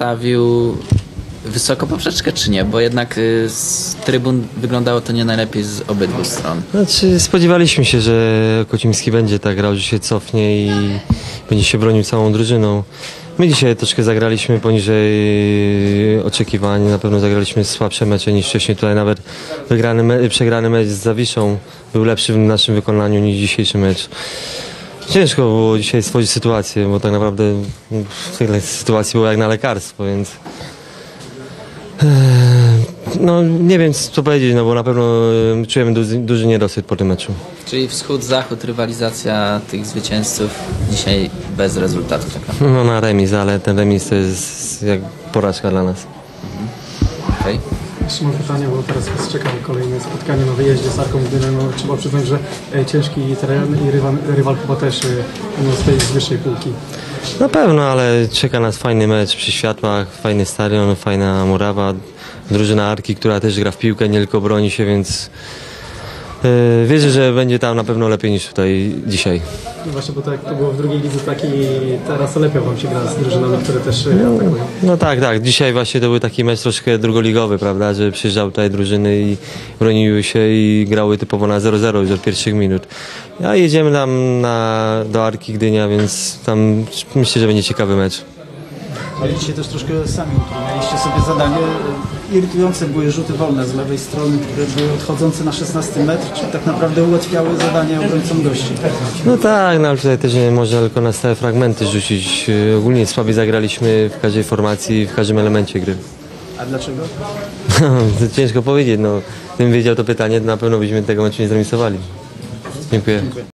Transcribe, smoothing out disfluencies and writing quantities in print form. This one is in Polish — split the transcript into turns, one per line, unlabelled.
postawił wysoko poprzeczkę, czy nie? Bo jednak z trybun wyglądało to nie najlepiej z obydwu stron.
Znaczy, spodziewaliśmy się, że Kocimski będzie tak grał, że się cofnie i będzie się bronił całą drużyną. My dzisiaj troszkę zagraliśmy poniżej oczekiwań. Na pewno zagraliśmy słabsze mecze niż wcześniej. Tutaj nawet przegrany mecz z Zawiszą był lepszy w naszym wykonaniu niż dzisiejszy mecz. Ciężko było dzisiaj stworzyć sytuację, bo tak naprawdę w tej sytuacji było jak na lekarstwo, więc no nie wiem co powiedzieć, no bo na pewno czujemy duży niedosyt po tym meczu.
Czyli wschód-zachód, rywalizacja tych zwycięzców dzisiaj bez rezultatu taka.
No na remis, ale ten remis to jest jak porażka dla nas.
Okay.
Jeszcze mam pytanie, bo teraz was czeka kolejne spotkanie na wyjeździe z Arką Gdynia. No, trzeba przyznać, że ciężki teren i rywal chyba też z tej wyższej półki.
Na pewno, ale czeka nas fajny mecz przy światłach, fajny stadion, fajna murawa, drużyna Arki, która też gra w piłkę, nie tylko broni się, więc wierzę, że będzie tam na pewno lepiej niż tutaj dzisiaj.
No właśnie, bo tak to było w drugiej lidze, tak i teraz lepiej wam się gra z drużynami, które też atakują.
No tak. Dzisiaj właśnie to był taki mecz troszkę drugoligowy, prawda, że przyjeżdżały tutaj drużyny i broniły się i grały typowo na 0-0 już od pierwszych minut. A jedziemy tam do Arki Gdynia, więc tam myślę, że będzie ciekawy mecz.
Ale dzisiaj też troszkę sami utrudnialiście sobie zadanie. Irytujące były rzuty wolne z lewej strony, które były odchodzące na 16 metr, czyli tak naprawdę ułatwiały zadanie obrońcom gości.
No tak, no ale tutaj też nie można tylko na stałe fragmenty rzucić. Ogólnie słabiej zagraliśmy w każdej formacji, w każdym elemencie gry.
A dlaczego?
To ciężko powiedzieć, no. Gdybym wiedział to pytanie, to na pewno byśmy tego meczu nie zremisowali. Dziękuję.